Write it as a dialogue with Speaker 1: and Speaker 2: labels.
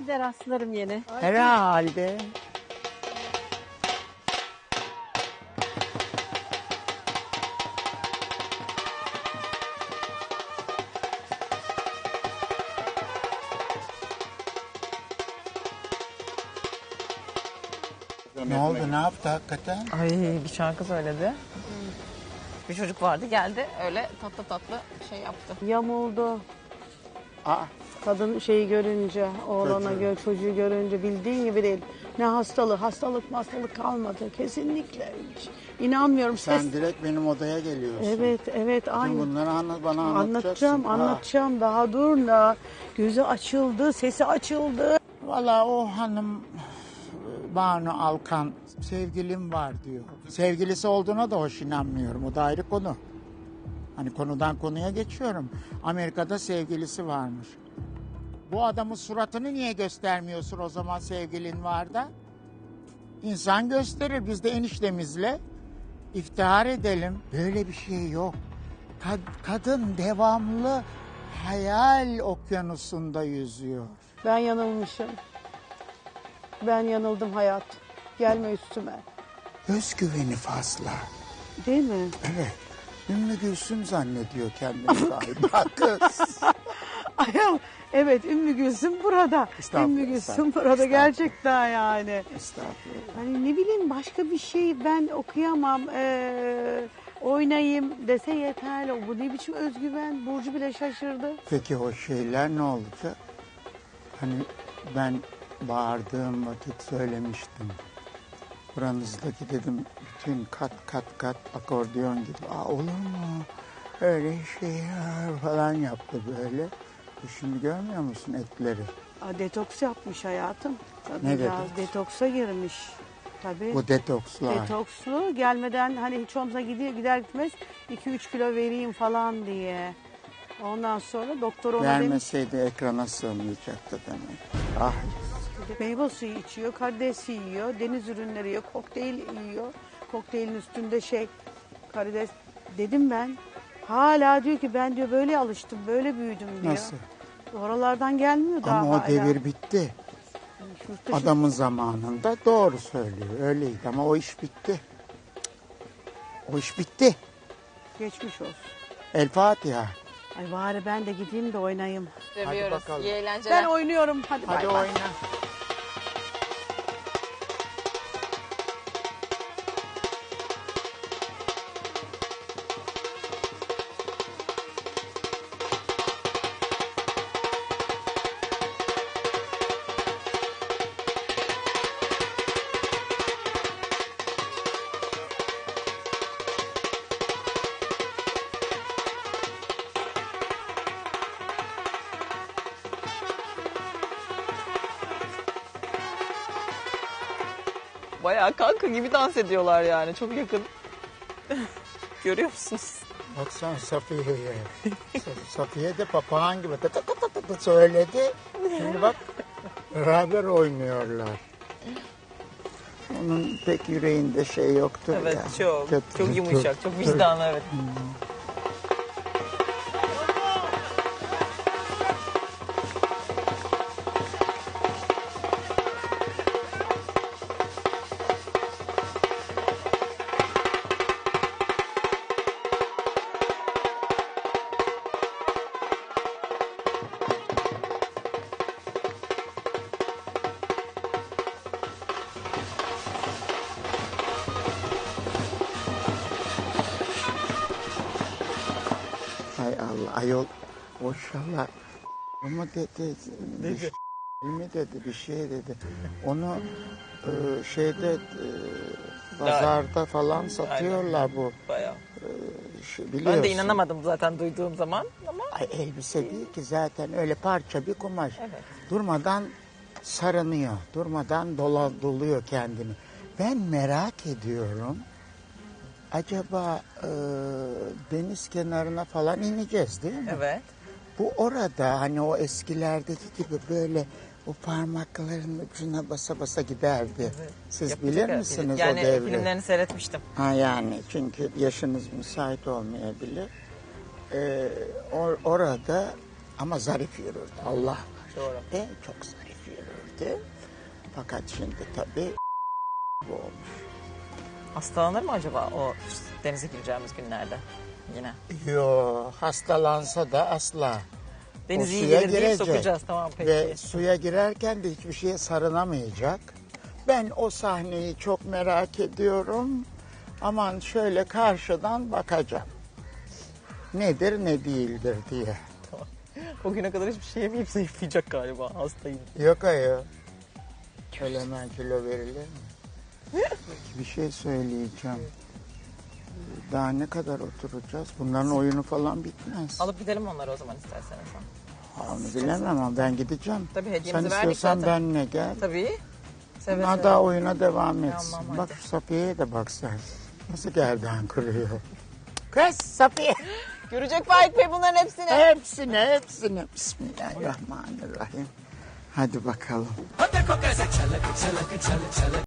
Speaker 1: Gider rastlarım yine.
Speaker 2: Herhalde. Ne oldu? Ne yaptı hakikaten?
Speaker 3: Ay bir şarkı söyledi. Bir çocuk vardı geldi öyle tatlı tatlı şey yaptı.
Speaker 1: Yamuldu.
Speaker 2: Aa,
Speaker 1: Kadın şeyi görünce, oğlana çocuğu görünce bildiğin gibi değil. Ne hastalık kalmadı. Kesinlikle hiç. İnanmıyorum.
Speaker 2: sen direkt benim odaya geliyorsun.
Speaker 1: Evet
Speaker 2: Bütün
Speaker 1: aynı.
Speaker 2: bunları bana anlatacaksın.
Speaker 1: Anlatacağım. Daha dur da. Gözü açıldı, sesi açıldı.
Speaker 2: Valla o hanım Banu Alkan sevgilim var diyor. Sevgilisi olduğuna da hoş inanmıyorum. O da ayrı konu. Hani konudan konuya geçiyorum. Amerika'da sevgilisi varmış. Bu adamın suratını niye göstermiyorsun o zaman sevgilin var da? İnsan gösterir. Biz de eniştemizle iftihar edelim. Böyle bir şey yok. Kadın devamlı hayal okyanusunda yüzüyor.
Speaker 1: Ben yanılmışım. Ben yanıldım hayat. Gelme üstüme.
Speaker 2: Özgüveni fazla.
Speaker 1: Değil mi?
Speaker 2: Evet. Ümmü Gülsüm zannediyor kendini galiba kız.
Speaker 1: Ayol, evet Ümmü Gülsüm burada.
Speaker 2: Estağfurullah,
Speaker 1: Ümmü Gülsüm
Speaker 2: estağfurullah,
Speaker 1: burada
Speaker 2: estağfurullah.
Speaker 1: gerçekten yani.
Speaker 2: Estağfurullah.
Speaker 1: Hani ne bileyim başka bir şey ben okuyamam. Oynayayım dese yeterli. Bu ne biçim özgüven? Burcu bile şaşırdı.
Speaker 2: Peki o şeyler ne olacak? Hani ben bağırdığım vakit söylemiştim. Buranızdaki dedim bütün kat akordeon gibi. Aa, olur mu? Öyle şey ya falan yaptı böyle. Şimdi görmüyor musun etleri?
Speaker 1: Detoks yapmış hayatım.
Speaker 2: Ne
Speaker 1: Biraz
Speaker 2: detoks?
Speaker 1: detoksa girmiş. Tabii.
Speaker 2: Bu detokslar.
Speaker 1: Detokslu gelmeden hani hiç olmazsa gider gitmez 2-3 kilo vereyim falan diye. Ondan sonra doktor ona demiş
Speaker 2: Vermeseydi ekrana sığmayacaktı demek. Ah,
Speaker 1: meyve suyu içiyor, karides yiyor, deniz ürünleri yiyor, kokteyl yiyor. Kokteylin üstünde karides dedim ben. Hala diyor ki ben diyor böyle alıştım, böyle büyüdüm diyor.
Speaker 2: nasıl?
Speaker 1: Oralardan gelmiyor daha
Speaker 2: Ama o
Speaker 1: hala.
Speaker 2: devir bitti.
Speaker 1: Yurt dışı-
Speaker 2: Adamın zamanında doğru söylüyor. Öyleydi ama o iş bitti. O iş bitti.
Speaker 1: Geçmiş olsun.
Speaker 2: El Fatiha.
Speaker 1: Ay bari ben de gideyim de oynayayım.
Speaker 3: Seviyoruz.
Speaker 2: bakalım.
Speaker 3: İyi eğlenceler.
Speaker 1: Ben oynuyorum. Hadi,
Speaker 2: Hadi
Speaker 1: bay bay.
Speaker 2: oyna.
Speaker 3: Bayağı kanka gibi dans ediyorlar yani çok yakın. Görüyor musunuz?
Speaker 2: Baksana Safiye'ye. Safiye de papağan gibi tı tı tı tı tı söyledi. Şimdi bak beraber oynuyorlar. Onun pek yüreğinde şey yoktur
Speaker 3: Evet
Speaker 2: ya.
Speaker 3: çok.
Speaker 2: Kötü-
Speaker 3: Çok yumuşak, çok vicdanlı evet.
Speaker 2: Hay Allah ayol maşallah. Ama dedi. Mi dedi bir şey dedi. Onu şeyde pazarda falan satıyorlar bu.
Speaker 3: Bayağı.
Speaker 2: Biliyorsun.
Speaker 3: Ben de inanamadım zaten duyduğum zaman ama
Speaker 2: Ay, elbise değil ki zaten öyle parça bir kumaş.
Speaker 3: Evet.
Speaker 2: Durmadan sarınıyor. Durmadan doluyor kendini. Ben merak ediyorum. Acaba deniz kenarına falan ineceğiz değil mi?
Speaker 3: evet.
Speaker 2: Bu orada hani o eskilerdeki gibi böyle o parmaklarının ucuna basa basa giderdi. Siz
Speaker 3: Yapacak
Speaker 2: bilir
Speaker 3: herhalde.
Speaker 2: misiniz
Speaker 3: yani
Speaker 2: o devri?
Speaker 3: filmlerini seyretmiştim.
Speaker 2: Ha yani çünkü yaşınız müsait olmayabilir. Orada ama zarif yürürdü. Allah var.
Speaker 3: Doğru.
Speaker 2: Çok zarif yürürdü. gitti. Fakat şimdi tabii bu olmuş.
Speaker 3: Hastalanır mı acaba o denize gireceğimiz günlerde yine?
Speaker 2: Yo, hastalansa da asla.
Speaker 3: Deniz
Speaker 2: O
Speaker 3: iyi
Speaker 2: suya
Speaker 3: gelir deyip
Speaker 2: girecek.
Speaker 3: sokacağız, tamam peki.
Speaker 2: Ve suya girerken de hiçbir şeye sarılamayacak. Ben o sahneyi çok merak ediyorum. Aman şöyle karşıdan bakacağım. Nedir ne değildir diye.
Speaker 3: O güne kadar hiçbir şey yemeyip zayıflayacak galiba, hastayım.
Speaker 2: Yok ayol. Öyle hemen kilo verilir mi? Bir şey söyleyeceğim. Daha ne kadar oturacağız? Bunların oyunu falan bitmez.
Speaker 3: Alıp gidelim onları o zaman isterseniz.
Speaker 2: Onu bilemem ama ben gideceğim.
Speaker 3: Tabii, hediyemizi
Speaker 2: Sen
Speaker 3: verdik
Speaker 2: istiyorsan
Speaker 3: zaten.
Speaker 2: benimle gel.
Speaker 3: Tabii. Seve
Speaker 2: Ha
Speaker 3: seve.
Speaker 2: daha oyuna devam etsin.
Speaker 3: Tamam,
Speaker 2: Bak
Speaker 3: hadi.
Speaker 2: şu Safiye'ye de bak sen. Nasıl gerdan kırıyor. Kız Safiye.
Speaker 3: Görecek Faik Bey bunların hepsini.
Speaker 2: Hepsini. Bismillahirrahmanirrahim. Hadi bakalım.